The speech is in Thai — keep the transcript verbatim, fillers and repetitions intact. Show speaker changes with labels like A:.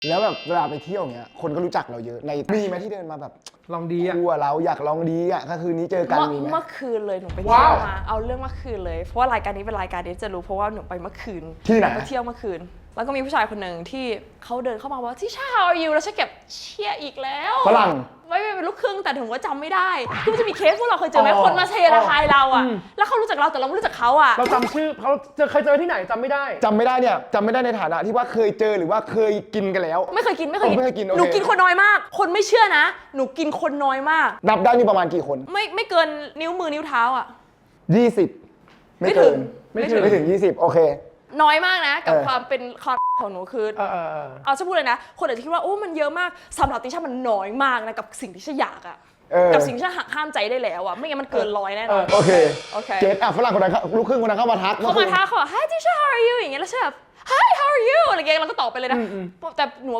A: แล้วแบบเวลาไปเที่ยวเงี้ยคนก็รู้จักเราเยอะในมีไหมที่เดินมาแบบ
B: ลองดีอ่ะ
A: กลัวเราอยากลองดีอ่ะก็คืนนี้เจอกันมีไหม
C: เมื่อคืนเลยหนูไปเที่ยวมาเอาเรื่องเมื่อคืนเลยเพราะว่ารายการนี้เป็นรายการที่จะรู้เพราะว่าหนูไปเมื่อคืน
A: ที่ไหน
C: ไปเที่ยวเมื่อคืน แล้วก็มีผู้ชายคนหนึ่งที่เขาเดินเข้ามาว่าที่ชา how are you แล้วฉันเก็บเชี่ยอีกแล้ว
A: ฝรั่ง
C: ไม่เป็นลูกครึ่งแต่ถึงว่าจำไม่ได้คือจะมีเคสพวกเราเคยเจอไหมคนมาเทระทายเราอ่ะแล้วเขารู้จักเราแต่เราไม่รู้จักเขาอ่ะ
B: เราจำชื่อเขาเจอเคยเจอที่ไหนจำไม่ได้
A: จำไม่ได้เนี่ยจำไม่ได้ในฐานะที่ว่าเคยเจอหรือว่าเคยกินกันแล้ว
C: ไม่เคยกินไม่เคย
A: อ๋อไม่เคยกินโอเค
C: หนูกินคนน้อยมาก คนไม่เชื่อนะ หนูกินคนน้อยมาก
A: นับได้มีประมาณกี่คน
C: ไม่ไม่เกินนิ้วมือนิ้วเท้าอ่ะ
A: ยี่สิบ
C: ไม่
A: ไม่
C: ถึ
A: เกิ
C: ง
A: น
B: ไม่ถึง
A: ไม่ถึงยี่สิบโอเค
C: น้อยมากนะ กับ
A: เออ
C: ความเป็นคอนของหนูคือ
B: เออเออเออ
C: เอาจะพูดเลยนะ คนอาจจะคิดว่าโอ้มันเยอะมากสำหรับติช่ามันน้อยมากนะกับสิ่งที่ฉันอยากอะ
A: เออ
C: กับสิ่งที่ฉันหักห้ามใจได้แล้วอะไม่งั้นมันเกินร้อยแน่นอน
A: โอเค
C: โอเค
A: เกตอ่ะฝรั่งคนนั้นเขาลูกครึ่งคนนั้นเข้ามาทัก
C: เขามาท้าเขาบอก Hi teacher how are you อย่างเงี้ยแล้วฉันแบบ Hi how are you อะไรเงี้ยเราก็ตอบไปเลยนะแต่หนู